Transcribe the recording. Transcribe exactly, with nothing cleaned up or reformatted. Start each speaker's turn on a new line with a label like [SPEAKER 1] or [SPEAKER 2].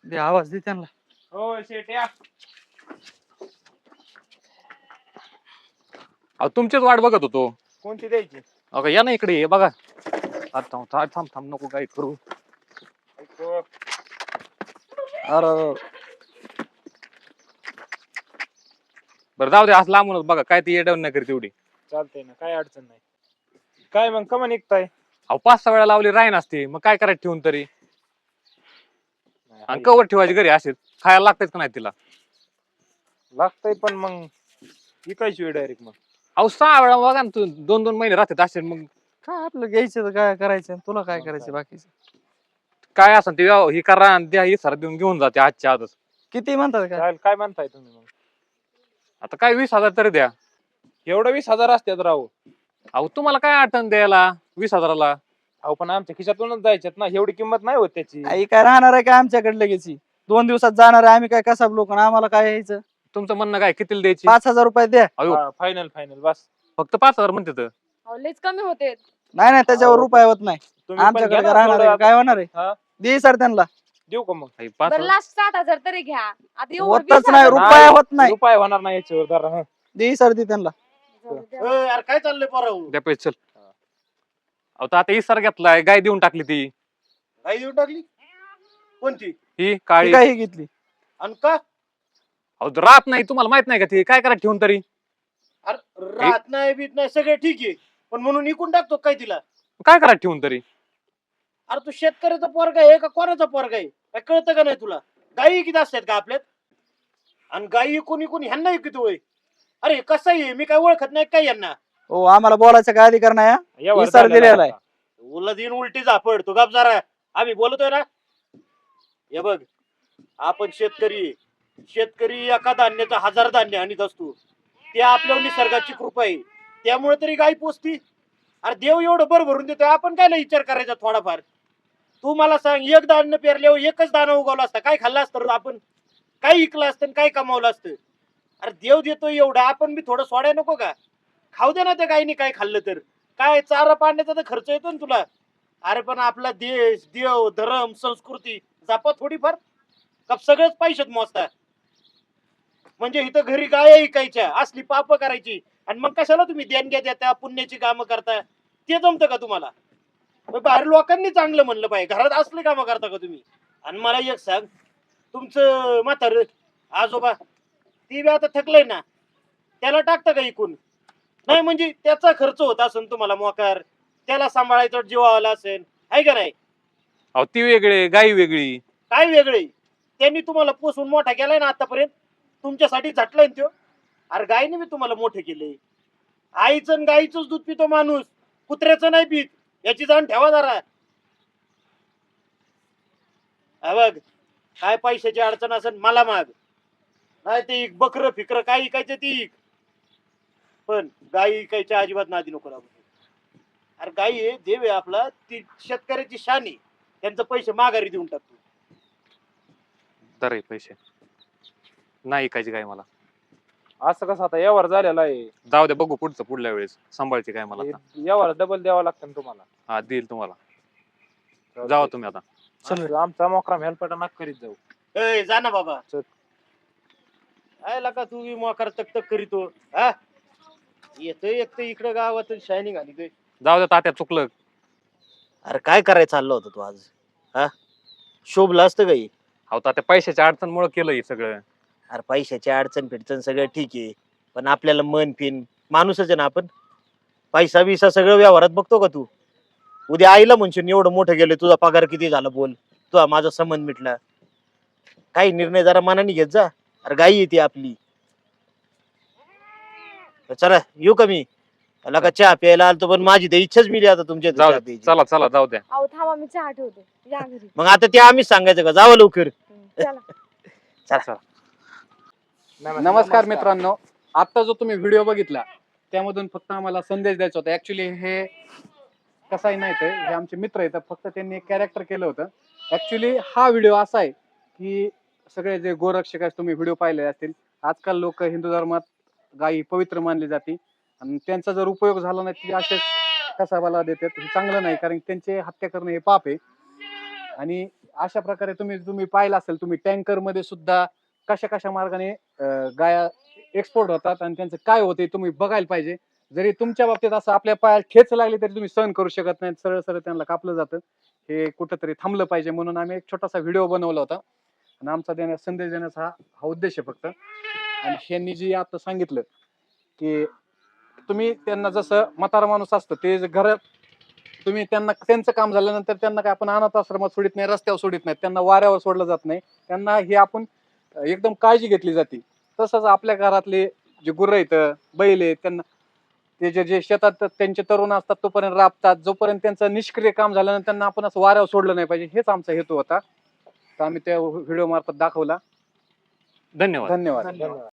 [SPEAKER 1] दे आवाज दे त्यांना.
[SPEAKER 2] हो शेट या.
[SPEAKER 3] अहो तुमचीच वाट बघत होतो.
[SPEAKER 2] कोणती द्यायची?
[SPEAKER 3] अगं या ना इकडे ये बघा. आता थांब थांब थांब थांब नको काय करू.
[SPEAKER 2] ऐको.
[SPEAKER 1] अरे
[SPEAKER 3] बरं जाऊ दे असं लांबूनच बघा काय ती येडवण नाही करत तेवढी.
[SPEAKER 2] चालतंय ना, काय अडचण नाही. काय मग कमा निघताय?
[SPEAKER 3] अहो पाच सहा वेळा लावली राही नसते मग काय करायचं ठेवून तरी. आणि कवर ठेवायची घरी असेल खायला लागतेच का नाही तिला.
[SPEAKER 2] लागतंय पण मग विकायची वेळ डायरेक्ट मग.
[SPEAKER 3] अहो सहा वेळा बघा ना तू दोन दोन महिने राहतात असेल मग
[SPEAKER 1] काय आपलं घ्यायचं तर काय करायचं, तुला काय करायचं बाकीचं.
[SPEAKER 3] काय असं ते व्यव- हे करा आणि द्या हे सर देऊन घेऊन जाते आजच्या आजच.
[SPEAKER 1] किती म्हणतात काय?
[SPEAKER 2] चालेल, काय म्हणताय तुम्ही मग?
[SPEAKER 3] आता काय वीस हजार तरी द्या.
[SPEAKER 2] एवढं वीस हजार असतात राहू.
[SPEAKER 3] अहो तुम्हाला काय अडचण द्यायला वीस हजाराला.
[SPEAKER 2] अहो पण आमच्या खिशातूनच जायच्यात ना, एवढी किंमत नाही होत त्याची.
[SPEAKER 1] आई काय राहणार आहे का आमच्याकडे लगेच? दोन दिवसात जाणार आहे आम्ही, काय कसा लोक आम्हाला काय यायचं?
[SPEAKER 3] तुमचं म्हणणं काय कितीला द्यायची?
[SPEAKER 1] पाच हजार रुपये द्या.
[SPEAKER 3] अयो
[SPEAKER 2] फायनल फायनल बस.
[SPEAKER 3] फक्त पाच हजार म्हणते तर.
[SPEAKER 4] अहो, लयच कमी होते.
[SPEAKER 1] नाही नाही त्याच्यावर
[SPEAKER 2] अहो,
[SPEAKER 1] रुपये होत नाही.
[SPEAKER 2] तुम्ही पण
[SPEAKER 1] आमच्याकडे
[SPEAKER 2] घ्या ना
[SPEAKER 1] काय राहणार
[SPEAKER 2] थोडं
[SPEAKER 1] आहे, काय होणार
[SPEAKER 2] हा?
[SPEAKER 1] आहे? दे सर त्यांना.
[SPEAKER 2] देऊ का मग?
[SPEAKER 3] आई, पाच
[SPEAKER 4] बरं
[SPEAKER 3] हजार.
[SPEAKER 4] लास्ट सात हजार तरी घ्या. आता एवढं
[SPEAKER 1] होतच
[SPEAKER 4] वीस
[SPEAKER 1] नाही,
[SPEAKER 4] हजार-
[SPEAKER 1] रुपये होत नाही.
[SPEAKER 2] रुपये होणार नाही याच्यावर जरा. हं.
[SPEAKER 1] दे सर दे त्यांना.
[SPEAKER 4] जाऊ द्या.
[SPEAKER 5] यार काय चाललंय पोराव?
[SPEAKER 3] द्या पैसे चल. अहो तर आता इसार घेतलाय गाय देऊन टाकली ती.
[SPEAKER 5] आई देऊन टाकली कोणती?
[SPEAKER 3] ही
[SPEAKER 1] ती
[SPEAKER 3] काळी.
[SPEAKER 1] काय ही घेतली?
[SPEAKER 5] आणि का?
[SPEAKER 3] अहो राहत नाही तुम्हाला माहित नाही का ती काय करायचं ठेवून तरी.
[SPEAKER 5] अरे राहत नाही बीत नाही सगळे ठीक आहे, पण म्हणून इकून टाकतो काय तिला?
[SPEAKER 3] काय करायचं ठेवून तरी.
[SPEAKER 5] अरे तू शेतकऱ्याचा पोरगा आहे का कोणाचा पोरगा आहे? काय कळतं का नाही तुला? गायी किती असतात का आपल्यात? आणि गायी इकून इकून ह्यांना इकतो होय. अरे कसं आहे, मी काय ओळखत नाही काय यांना?
[SPEAKER 1] हो आम्हाला बोलायचा काय अधिकार नाही हा?
[SPEAKER 2] यावर
[SPEAKER 1] इसार
[SPEAKER 2] झालेला
[SPEAKER 1] दिलेला आहे.
[SPEAKER 2] आता.
[SPEAKER 5] उला दिन उलटी झापड तू गप जरा. आम्ही बोलतोय ना. हे बघ, आपण शेतकरी आहे. शेतकरी एका धान्याचा हजार धान्य आणत असतो. ते आपल्या निसर्गाची कृपा आहे, त्यामुळे तरी गाय पोचती. अरे देव एवढं भर भरून देतोय, आपण काय विचार करायचा थोडाफार? तू मला सांग, एक धान्य पेरल्यावर एकच दाणा उगवला असता, काय खाल्ला असतं आपण? काय इकलं असतं, काय कमावलं असतं? अरे देव देतोय एवढं, आपण बी थोडं सोडाय नको का? खाऊ दे ना त्या गायीने काय खाल्लं तर. काय चारा पाण्याचा तर खर्च येतो ना तुला. अरे पण आपला देश, देव, धर्म, संस्कृती जपा थोडीफार. का सगळेच पैशात मोजता? म्हणजे इथं घरी गाय ऐकायच्या असली पाप करायची, आणि मग कशाला तुम्ही देणग्या देता, पुण्याची कामं करता? ते जमतं का तुम्हाला? मग बाहेर लोकांनी चांगलं म्हणलं पाहिजे, घरात असले कामं करता का तुम्ही? आणि मला एक सांग, तुमचं म्हातार आजोबा ती बी आता थकलंय ना, त्याला टाकता का इकून? नाही म्हणजे त्याचा खर्च होत असेल तुम्हाला मोकार, त्याला सांभाळायचं जीवावाला असेल, आहे का नाही?
[SPEAKER 3] अहो ती वेगळी गाय वेगळी.
[SPEAKER 5] काय वेगळे? त्यांनी तुम्हाला पोसून मोठा केलाय ना आतापर्यंत, तुमच्यासाठी झटलाय ना त्यो. अरे गायने बी तुम्हाला मोठे केले. आईचं आणि गाईचंच दूध पितो माणूस, कुत्र्याचं नाही पित, याची जाण ठेवा जरा. हा बघ, काय पैशाची अडचण असेल मला माग, नाही ते इक बकर फिकर काय इकायचं ती इक, पण गाई इकायच्या अजिबात नादी नको लागू. अरे गाई आहे, देव आहे आपला, ती शेतकऱ्याची शान आहे, त्यांचे पैसे माघारी देऊन टाकतो.
[SPEAKER 3] तर हे पैसे नाही ऐकायची काय मला.
[SPEAKER 2] असं कसं आता यावर झालेला आहे.
[SPEAKER 3] जाऊ दे बघू पुढचं पुढल्या वेळेस सांभाळची काय मला आता.
[SPEAKER 2] यावर डबल द्यावा लागतं ना तुम्हाला.
[SPEAKER 3] हा देईल तुम्हाला. जावा तुम्ही आता.
[SPEAKER 2] चल आमचा मोकराम हेल्पटा नका करीत जाऊ.
[SPEAKER 5] ए जा ना बाबा.
[SPEAKER 2] चल.
[SPEAKER 5] काय लका तू बी मोकार तक तक करीतो हा? येतोय एक तर इकडं गावात शायनिंग आली.
[SPEAKER 3] जाऊ दे तात्या चुकलं.
[SPEAKER 5] अरे काय करायचं चाललं होतं तू आज? हा शोभलं असतं काही?
[SPEAKER 3] अहो तात्या पैशाच्या अडचणमुळे केलं हे सगळं.
[SPEAKER 5] अरे पैशाची अडचण फिडचण सगळं ठीक आहे, पण आपल्याला मन फिन माणूसच आहे ना आपण. पैसा बिसा सगळं व्यवहारात बघतो का तू? उद्या आईला म्हणशील एवढं मोठं गेलं, तुझा पगार किती झाला बोल, तुझा माझा संबंध मिटला. काही निर्णय जरा मनाने घेत जा. अरे गाई येते आपली. चला येऊ का मी? त्याला का चहा प्यायला आलतो, पण माझी तर इच्छाच मिली आता तुमच्या इथं
[SPEAKER 3] जाऊ
[SPEAKER 5] चहा
[SPEAKER 3] दे
[SPEAKER 5] प्यायची.
[SPEAKER 3] चला चला जाऊ द्या.
[SPEAKER 4] अहो थांबा, मी चहा ठेवते, या घरी.
[SPEAKER 5] मग आता ते आम्हीच सांगायचं का? जावं लवकर.
[SPEAKER 4] हम्म, चला.
[SPEAKER 5] चला.
[SPEAKER 6] नमस्कार मित्रांनो, आता जो तुम्ही व्हिडिओ बघितला त्यामधून फक्त आम्हाला संदेश द्यायचा होता. ऍक्च्युली हे कसंही नाही तर हे आमचे मित्र आहेत, फक्त त्यांनी एक कॅरेक्टर केलं होतं. ऍक्च्युली हा व्हिडिओ असा आहे की सगळे जे गोरक्षक आहेत तुम्ही व्हिडिओ पाहिले असतील, आजकाल लोक हिंदू धर्मात गायी पवित्र मानली जाते आणि त्यांचा जर उपयोग झाला नाही ती असेच कसाबाला देतात. हे चांगलं नाही, कारण त्यांचे हत्या करणं हे पाप आहे. आणि अशा प्रकारे तुम्ही तुम्ही पाहिलं असेल, तुम्ही टँकर मध्ये सुद्धा कशा कशा मार्गाने अं, गाया एक्सपोर्ट होतात आणि त्यांचं काय होते तुम्ही बघायला पाहिजे. जरी तुमच्या बाबतीत असं आपल्या पायाला ठेच लागली तरी तुम्ही सहन करू शकत नाही, सरळ सरळ त्यांना कापलं जातं. हे कुठंतरी थांबलं पाहिजे म्हणून आम्ही एक छोटासा व्हिडिओ बनवला होता आणि आमचा देण्या संदेश देण्याचा हा हा उद्देश आहे फक्त. आणि ह्यांनी जी आता सांगितलं की तुम्ही त्यांना जसं म्हातारा माणूस असतं ते जे घरात तुम्ही त्यांना त्यांचं काम झाल्यानंतर त्यांना काय आपण अनाथ आश्रमात सोडित नाही, रस्त्यावर सोडित नाही, त्यांना वाऱ्यावर सोडलं जात नाही, त्यांना हे आपण एकदम काळजी घेतली जाते. तसंच आपल्या घरातले जे गुरं आहेत, बैल आहेत, त्यांना ते जे जे शेतात त्यांचे तरुण असतात तोपर्यंत राबतात, जोपर्यंत त्यांचं निष्क्रिय काम झाल्यानंतर त्यांना आपण असं वाऱ्यावर सोडलं नाही पाहिजे, हेच आमचा हेतू होता. तर आम्ही त्या व्हिडिओ मार्फत दाखवला.
[SPEAKER 3] धन्यवाद.
[SPEAKER 6] धन्यवाद.
[SPEAKER 5] धन्यवाद.